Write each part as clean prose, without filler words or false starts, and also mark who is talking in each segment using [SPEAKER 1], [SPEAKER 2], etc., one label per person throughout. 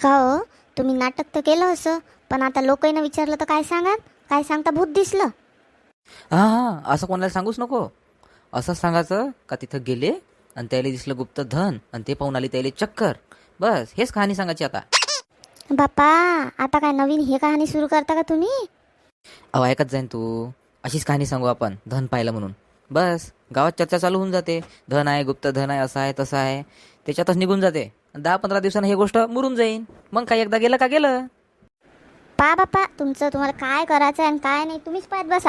[SPEAKER 1] का हो, तुम्ही नाटक तर केलं असं, पण आता लोकांना विचारलं तर काय सांगाल? काय सांगता, भूत दिसलं?
[SPEAKER 2] हां हां, असं कोणाला सांगूच नको. असंच सांगायचं का तिथं गेले आणि त्याला दिसलं गुप्त धन आणि ते पाहून आली त्याला चक्कर. बस हेच कहाणी सांगायची आता.
[SPEAKER 1] बापा, आता काय नवीन हे कहाणी सुरू करता का तुम्ही?
[SPEAKER 2] अहो ऐकत जाईन तू. अशीच कहाणी सांगू आपण धन पाहिलं म्हणून. बस गावात चर्चा चालू होऊन जाते. धन आहे, गुप्त धन आहे, असं आहे तसं आहे. त्याच्यातच निघून जाते. 10-15 दिवसानं ही गोष्ट मुरून जाईन. मग काय एकदा गेलं का गेलं.
[SPEAKER 1] पा बापा, तुमचं तुम्हाला काय करायचं आणि काय नाही तुम्हीच पाहत बसा.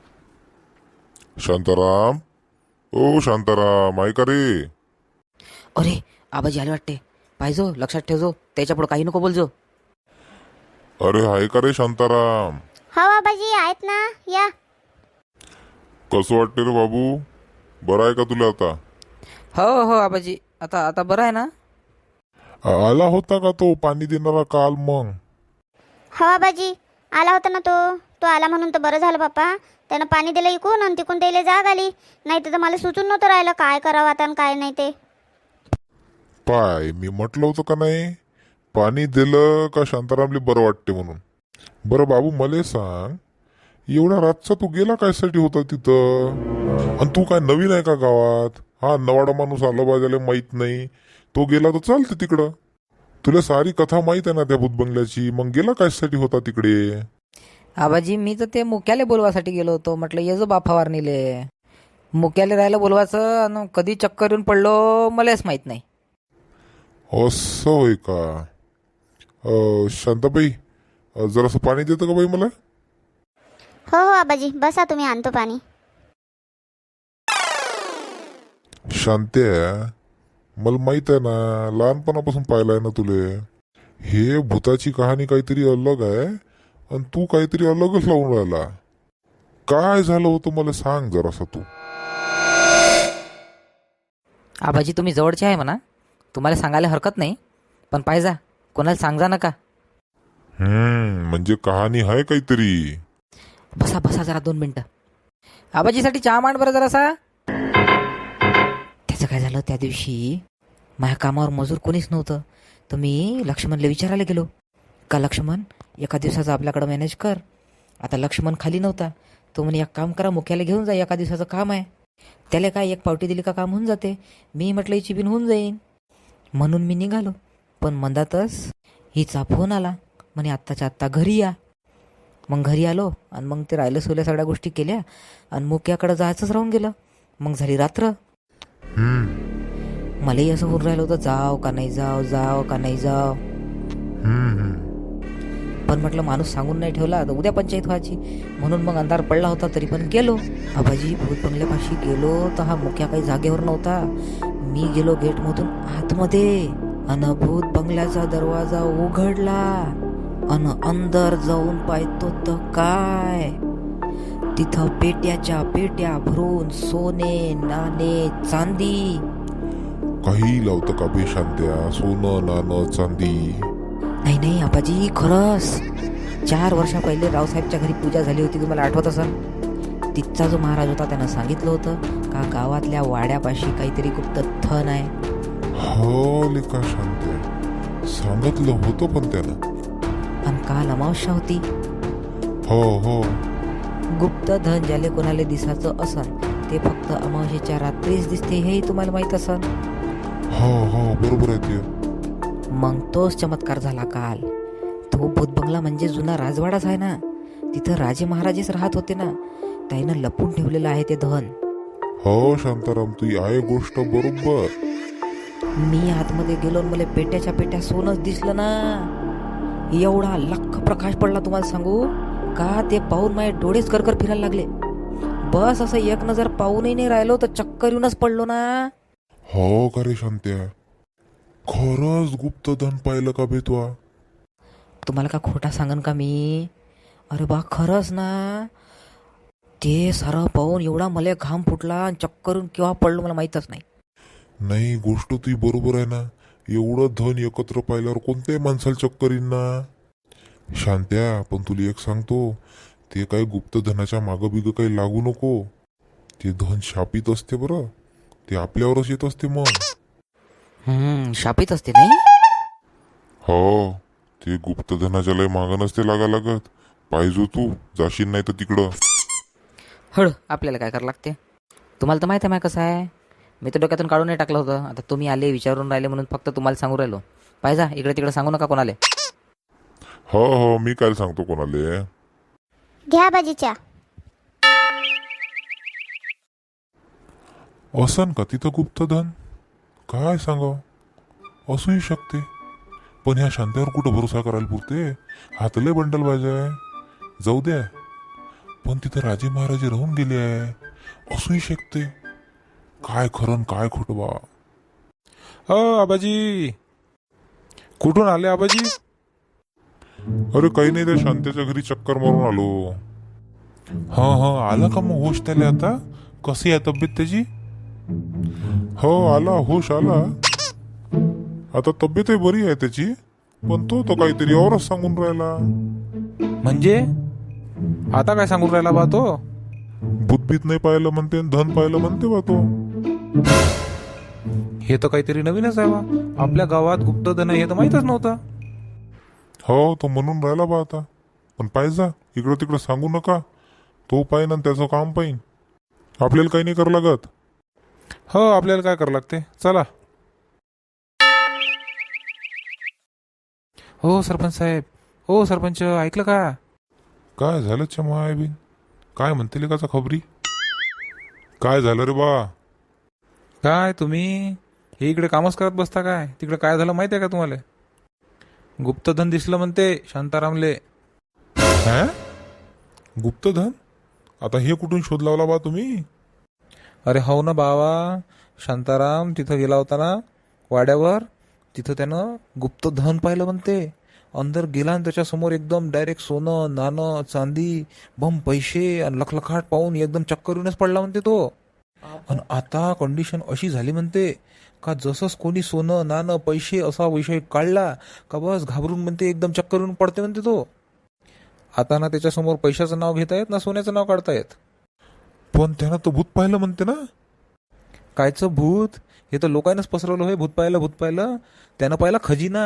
[SPEAKER 3] शांताराम, ओ शांताराम, ऐका रे.
[SPEAKER 2] अरे आबाजी आले वाटते. पाहिजो, लक्षात ठेवजो. त्याच्या पुढं काही नको बोलजो.
[SPEAKER 3] अरे ऐका रे शांताराम.
[SPEAKER 1] हो बाबाजी, आहेत ना, या.
[SPEAKER 3] कसं वाटते रे बाबू? बरं आहे का तुला आता?
[SPEAKER 2] हो हो आबाजी, आता आता बरं आहे ना.
[SPEAKER 3] आला होता का तो पाणी देणारा काल मग?
[SPEAKER 1] हो बाबाजी, आला होता ना तो. तो आला म्हणून तर बरं झालं बापा. त्यानं पाणी दिलं इकून आणि तिकून त्याला जाग आली. नाही तर मला सुचून नव्हतं राहिलं काय करावं आता आणि काय नाही ते.
[SPEAKER 3] पाय, मी म्हटलं होतं का नाही, पाणी दिलं का शांतारामले बरं वाटते म्हणून. बरं बाबू, मला सांग, एवढ्या रातचा तू गेला कायसाठी होता तिथं? आणि तू काय नवीन आहे का गावात? हा नवाडा माणूस आला बाजाले माहित नाही, तो गेला तर चालते तिकडं. तुला सारी कथा माहित आहे ना त्या भूतबंगल्याची, मग गेला कायसाठी होता तिकडे?
[SPEAKER 2] आबाजी मी तर ते मुक्याले बोलवासाठी गेलो होतो. म्हटलं ये जो बाप फवारणीले. मुक्याले राहायला बोलवायचं आणि कधी चक्कर येऊन पडलो मलाच माहित नाही.
[SPEAKER 3] असं होय का? शांताबाई, जरासं पाणी देतं का बाई मला?
[SPEAKER 1] हो हो आबाजी, बसा तुम्ही, आणतो पाणी.
[SPEAKER 3] शांत्या, मला माहित आहे ना, लहानपणापासून पाहिलं आहे ना तुले. हे भूताची कहाणी काहीतरी अलग आहे आणि तू काहीतरी अलगच लावून राहिला. काय झालं होतं मला सांग जरासं तू.
[SPEAKER 2] आबाजी तुम्ही जवळचे आहे म्हणा, तुम्हाला सांगायला हरकत नाही, पण पाहिजा कोणाला सांगा नका.
[SPEAKER 3] म्हणजे कहाणी आहे काहीतरी.
[SPEAKER 2] बसा बसा जरा 2 मिनिटं. आबाजीसाठी चहा मांड बरं जरासा. त्याचं काय झालं, त्या दिवशी माझ्या कामावर मजूर कोणीच नव्हतं, तर मी लक्ष्मणला विचारायला गेलो का लक्ष्मण एका दिवसाचं आपल्याकडं मॅनेज कर. आता लक्ष्मण खाली नव्हता. तो म्हणे एक काम करा, मुख्याला घेऊन जा, एका दिवसाचं काम आहे. त्याला काय एक पावटी दिली का काम होऊन जाते. मी म्हटलं हिची बिन होऊन जाईन म्हणून मी निघालो. पण मंदातच हिचा फोन आला, म्हणे आत्ताच्या आत्ता घरी या. मग घरी आलो आणि मग ते राहिलं सोल्या सगळ्या गोष्टी केल्या आणि मुक्याकडं जायचंच राहून गेलं. मग झाली रात्र. मलाही असं होऊन राहिलं होतं, जाव का नाही जाव, जाव का नाही जाव. पण म्हटलं माणूस सांगून नाही ठेवला तर उद्या पंचायत व्हायची, म्हणून मग अंधार पडला होता तरी पण गेलो. आबाजी भूत बंगल्यापाशी गेलो तर हा मुक्या काही जागेवर नव्हता. मी गेलो गेटमधून आतमध्ये अन भूत बंगल्याचा दरवाजा उघडला अन अंदर जाऊन पाहतो तर काय, तिथं पेट्याच्या पेट्या भरून सोने नाणे चांदी.
[SPEAKER 3] काही लावतं का बे शांत्या? सोनं नाणं चांदी?
[SPEAKER 2] नाही नाही आबाजी, खरंच 4 वर्षा पहिले रावसाहेबच्या घरी पूजा झाली होती, तुम्हाला आठवत असेल. तिथचा जो महाराज होता त्यानं सांगितलं होतं का गावातल्या वाड्यापाशी काहीतरी गुप्त धन आहे.
[SPEAKER 3] हो लेका शांत्या, सांगितलं होतं पण त्यानं.
[SPEAKER 2] आणि काल अमावस्या होती.
[SPEAKER 3] हो हो.
[SPEAKER 2] गुप्त धन ज्याले कोणाला दिसायचं असन ते फक्त अमावस्येच्या रात्रीच दिसते, हेही तुम्हाला माहित असन.
[SPEAKER 3] हो हो, बरोबर आहे ते.
[SPEAKER 2] मग तोच चमत्कार झाला काल. तो भूतबंगला म्हणजे जुना राजवाडाच आहे ना, तिथं राजे महाराजेच राहत होते ना, त्यानं लपून ठेवलेलं आहे ते धन.
[SPEAKER 3] हो शांताराम, तू आहे गोष्ट बरोबर.
[SPEAKER 2] मी आतमध्ये गेलो आणि मला पेट्याच्या पेट्या सोनच दिसलं ना. एवढा लख प्रकाश पडला तुम्हाला सांगू का, ते पाहून माझे डोळेच करकर फिरायला लागले. बस असं एक नजर पाहूनही नाही राहिलो तर चक्कर येऊनच पडलो ना.
[SPEAKER 3] हो का रे शांत्या, खरंच गुप्त धन पाहिलं का बे तू?
[SPEAKER 2] तुम्हाला का खोटा सांगन का मी? अरे बा खरंच ना, ते सारं पाहून एवढा मला घाम फुटला आणि चक्करून केव्हा पडलो मला माहीतच नाही.
[SPEAKER 3] नाही, गोष्ट तुझी बरोबर आहे ना. एवढं धन एकत्र पाहिल्यावर कोणत्याही माणसाला चक्कर येईन ना. शांत्या, पण तुला एक सांगतो, ते काही गुप्त धनाच्या मागं बिगं काही लागू नको. ते धन शापित असते बरं, ते आपल्यावरच येत असते मग.
[SPEAKER 2] शापित असते नाही.
[SPEAKER 3] हो. ते गुप्तधनाच्या लय मागं नसते लागा लागत. पाहिजो तू जाशील नाही तर तिकडं.
[SPEAKER 2] हळ आपल्याला काय करावं लागते. तुम्हाला तर माहिती आहे कसं आहे. मी तर डोक्यातून काढून नाही टाकलं होतं. आता तुम्ही आले विचारून राहिले म्हणून फक्त तुम्हाला सांगू राहिलो. पाहिजा इकडे तिकडे सांगू नका कोणाले.
[SPEAKER 3] हो हो मी काय सांगतो कोणाले.
[SPEAKER 1] घ्या आबाजीच्या.
[SPEAKER 3] असन का तिथं गुप्तधन काय सांगाव. असूही शकते पण ह्या शांत्यावर कुठं भरोसा करायला पुरते. हातले बंडल बाजाय जाऊ द्या. पण तिथं राजे महाराजे राहून गेले आहे. असूही शकते. काय खरं न काय खोटं बा.
[SPEAKER 4] आबाजी कुठून आले आबाजी?
[SPEAKER 3] अरे काही नाही त्या शांत्याच्या घरी चक्कर मारून आलो.
[SPEAKER 4] हा आला का मग होश त्याला आता? कशी आहे तब्येत त्याची?
[SPEAKER 3] हो आला होश आला. आता तब्येतही बरी आहे त्याची. पण तो तर काहीतरी औरच सांगून राहिला.
[SPEAKER 4] म्हणजे आता काय सांगून राहिला बा तो?
[SPEAKER 3] भूतभीत नाही पाहिलं म्हणते आणि धन पाहिलं म्हणते बा तो.
[SPEAKER 4] हे तर काहीतरी नवीनच आहे बा. आपल्या गावात गुप्तधन आहे हे तर माहीतच नव्हतं.
[SPEAKER 3] हो तो म्हणून राहिला बा आता. पण पाहिजा इकडं तिकडं सांगू नका. तो पाहिन आणि त्याचं काम पाहिन. आपल्याला काही नाही करावं लागत.
[SPEAKER 4] हो आपल्याला काय करावं लागते. चला. हो सरपंच साहेब. हो सरपंच ऐकलं का?
[SPEAKER 3] काय झालं चमायबीन. काय म्हणते लेकाचा खबरी. काय झालं रे बा.
[SPEAKER 4] काय तुम्ही हे इकडे कामच करत बसता काय? तिकडे काय झालं माहिती आहे का तुम्हाला? गुप्तधन दिसलं म्हणते शांतारामले.
[SPEAKER 3] हा गुप्तधन. आता हे कुठून शोध लावला बा तुम्ही.
[SPEAKER 4] अरे हो ना बाबा. शांताराम तिथं गेला होता ना वाड्यावर. तिथं त्यानं गुप्तधन पाहिलं म्हणते. अंदर गेला आणि त्याच्यासमोर एकदम डायरेक्ट सोनं नाणं चांदी बम पैसे आणि लखलखाट पाहून एकदम चक्कर येऊनच पडला म्हणते तो. आणि आता कंडिशन अशी झाली म्हणते का जसंच कोणी सोनं नाणं पैसे असा विषय काढला का बस घाबरून म्हणते एकदम चक्कर येऊन पडते म्हणते तो. आता ना त्याच्यासमोर पैशाचं नाव घेता येत ना सोन्याचं नाव काढता येत.
[SPEAKER 3] पण त्यानं तो भूत पाहिलं म्हणते ना.
[SPEAKER 4] कायचं भूत? हे तर लोकांनाच पसरवलं होय. भूत पाहिलं. त्यानं पाहिला खजिना.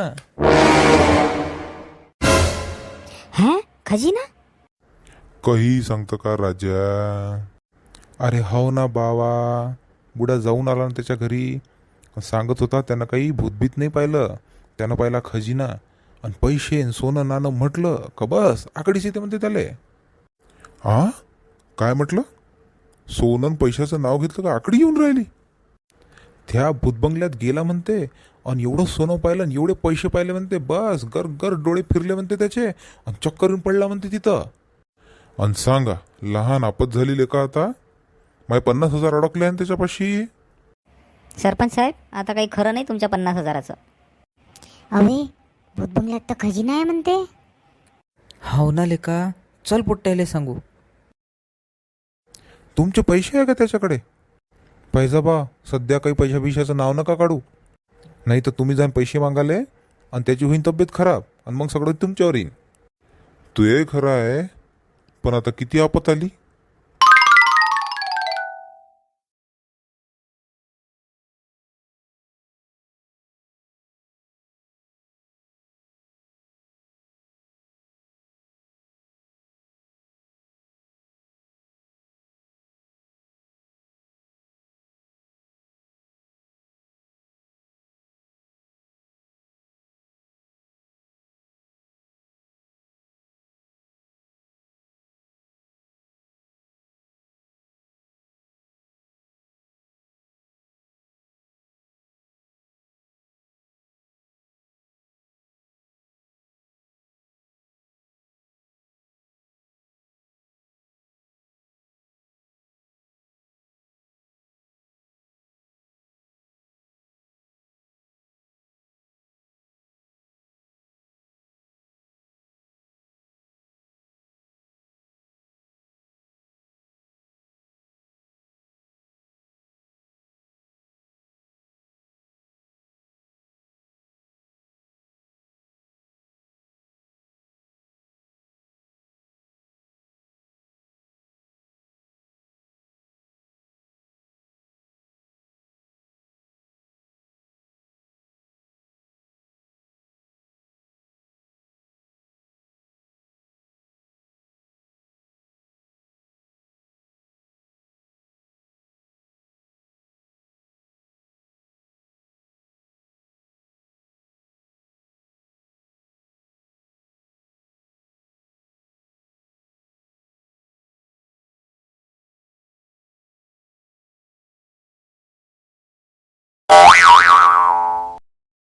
[SPEAKER 1] हा खजिना.
[SPEAKER 3] काही सांगतं का राजा.
[SPEAKER 4] अरे हो ना बावा. बुडा जाऊन आला ना त्याच्या घरी. सांगत होता त्यानं काही भूतभीत नाही पाहिलं. त्यानं पाहिला खजिना आणि पैसे आणि सोनं नाणं. म्हटलं का बस आकडीच येते म्हणते त्याले.
[SPEAKER 3] हा काय म्हटलं. सोनं आणि पैशाचं नाव घेतलं का आकडी येऊन राहिली.
[SPEAKER 4] त्या भूतबंगल्यात गेला म्हणते आणि एवढं सोनं पाहिलं आणि एवढे पैसे पाहिले म्हणते. बस गर गर डोळे फिरले म्हणते त्याचे आणि चक्कर येऊन पडला म्हणते तिथं.
[SPEAKER 3] आणि सांगा लहान आपत झाली लेका. आता माय 50,000 अडकले आणि त्याच्यापाशी.
[SPEAKER 5] सरपंच साहेब आता काही खरं नाही तुमच्या 50,000चं.
[SPEAKER 1] अवे भूतबंगल्यात तर खजिना आहे म्हणते.
[SPEAKER 2] हो ना लेका. चल पोट्ट्याले सांगू.
[SPEAKER 4] तुमचे पैसे आहे का त्याच्याकडे? पैसा बा सध्या काही पैशाचं नाव नका काढू. नाही तर तुम्ही जाऊन पैसे मागाले आणि त्याची होईन तब्येत खराब आणि मग सगळं तुमच्यावर येईन.
[SPEAKER 3] तू हे खरं आहे. पण आता किती आपत आली.